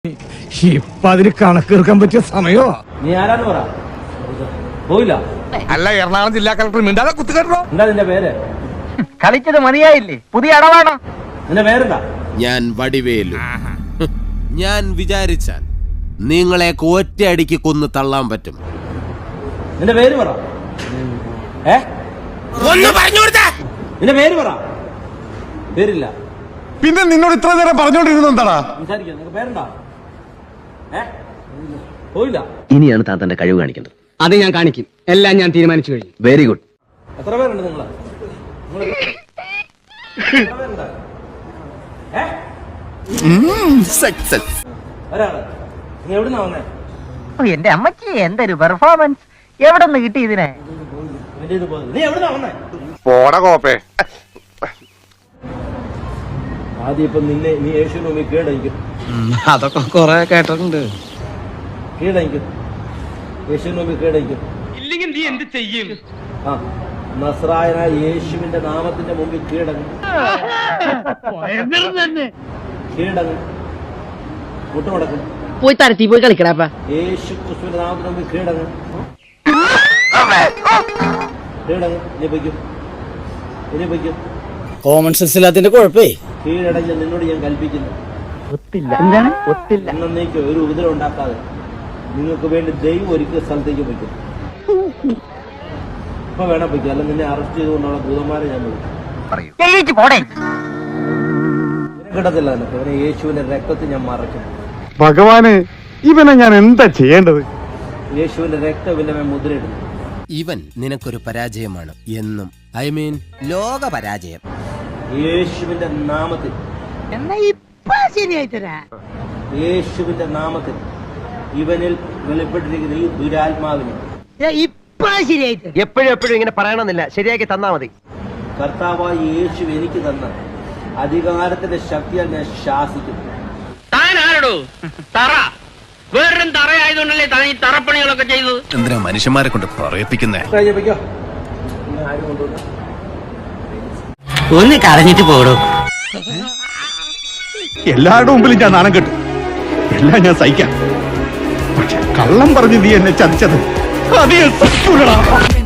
ഇപ്പൊ അതിന് കണക്കെടുക്കാൻ പറ്റിയ സമയോ? നീ ആരാന്ന് പറ. പോയില്ല. അല്ല, എറണാകുളം ജില്ലാ കളക്ടർ മിണ്ടാതെ കുത്തുകെട്ടോ. എന്താ നിന്റെ പേര്? കളിച്ചത് മതിയായില്ലേ? പുതിയ അടവാണോ? നിന്റെ പേരെന്താ? ഞാൻ വടിവേലു. ഞാൻ വിചാരിച്ചാൽ നിങ്ങളെ ഒറ്റയടിക്ക് കൊന്നു തള്ളാൻ പറ്റും. നിന്റെ പേര് പറ. നിന്റെ പേര് പറ. പേരില്ല. പിന്നെ നിന്നോട് ഇത്ര നേരം പറഞ്ഞോണ്ടിരുന്ന എന്താടാ? സംസാരിക്കാം. നിനക്ക് പേരെന്താ? പോയില്ല. ഇനിയാണ് താൻ തന്റെ കഴിവ് കാണിക്കേണ്ടത്. അത് ഞാൻ കാണിക്കും. എല്ലാം ഞാൻ തീരുമാനിച്ചു കഴിഞ്ഞു. Very good. എത്ര പേരുണ്ട് നിങ്ങള്? സക്സസ്. ഒരാള്. നീ എവിടുന്നാ വന്നേ? എന്റെ അമ്മക്ക് എന്തൊരു പെർഫോമൻസ്! എവിടെ നിന്ന് കിട്ടി ഇതിനെ? നീ എവിടുന്നാ വന്നേ? പോടാ കോപ്പേ. ആദ്യം ഇപ്പൊ നിന്നെ നീ യേശുവിന് മുമ്പിൽ കീഴടങ്ങിക്കും. അതൊക്കെ കൊറേ കേട്ടിട്ടുണ്ട്. കീഴടങ്ങിക്കും. യേശുവിന് മുമ്പിൽ കീഴടങ്ങിക്കും. ഇല്ലെങ്കിൽ നീ എന്ത് ചെയ്യും? ആ, നസ്രായനായ യേശുവിന്റെ നാമത്തിന്റെ മുമ്പിൽ കീഴടങ്ങും. കീഴടങ്ങും. മുട്ടുമടക്കും. പോയി തരത്തി പോയി കളിക്കടാ. യേശു ക്രിസ്തുവിന്റെ നാമത്തിന്റെ മുമ്പിൽ കീഴടങ്ങും. കീഴടങ്ങും. ഇനി പൊയ്ക്കും. ഇനി പൊയ്ക്കും. Common sense ഇല്ലാത്തിന്റെ കുഴപ്പേ. കീഴടങ്ങി നിന്നോട് ഞാൻ കൽപ്പിക്കുന്നു. ഒത്തില്ല. എന്താണ് ഒത്തില്ല? എന്നേക്ക് ഒരു ഉപദ്രവം ഉണ്ടാക്കാതെ നിങ്ങൾക്ക് വേണ്ടി ദൈവം ഒരിക്കൽ സ്ഥലത്തേക്ക് പൊയ്ക്കും. ഇപ്പൊ വേണം പൊയ്ക്കും. അല്ല നിന്നെ അറസ്റ്റ് ചെയ്തുകൊണ്ടുള്ള ദൂതന്മാരെ ഞാൻ വിളിക്കും. പോടേ. കിട്ടത്തില്ല നിനക്ക്. ഇവനെ യേശുവിന്റെ രക്തത്തിൽ ഞാൻ മറയ്ക്കും. ഭഗവാന്, ഇവനെ ഞാൻ എന്താ ചെയ്യേണ്ടത്? യേശുവിന്റെ രക്തം ഇവന്റെ മേൽ മുദ്രയിടുന്നു. ഇവൻ നിനക്കൊരു പരാജയമാണ് എന്നും. ഐ മീൻ ലോക പരാജയം. യേശുവിന്റെ നാമത്തിൽ. എന്നാ ഇപ്പൊ ശരിയായി തരാ. യേശുവിന്റെ നാമത്തിൽ ഇവനിൽ വെളിപ്പെട്ടിരിക്കുന്ന ഈ ദുരാത്മാവിനെ ഇപ്പൊ ശരിയായി തരാം. എപ്പോഴും ഇങ്ങനെ പറയണമെന്നില്ല. ശരിയാക്കി തന്നാ മതി. കർത്താവായ യേശു എനിക്ക് തന്ന അധികാരത്തിന്റെ ശക്തിയാൽ ഞാൻ ശാസിക്കും. താനാരടോ തറ? വേറൊരു തറയായതുകൊണ്ടല്ലേ താൻ ഈ തറപ്പണികളൊക്കെ ചെയ്തത്? എന്തിനാ മനുഷ്യന്മാരെ കൊണ്ട് പറയിപ്പിക്കുന്നേ? പൊയ്ക്കോ. ഇന്ന് ആരും കൊണ്ടുവന്ന ഒന്ന് കരഞ്ഞിട്ട് പോടോ. എല്ലാവരുടെ മുമ്പിലും ഞാൻ നാണം കെട്ടു. എല്ലാം ഞാൻ സഹിക്കാം. പക്ഷെ കള്ളം പറഞ്ഞ് നീ എന്നെ ചതിച്ചത് അത് ഞാൻ സഹിക്കൂലടാ.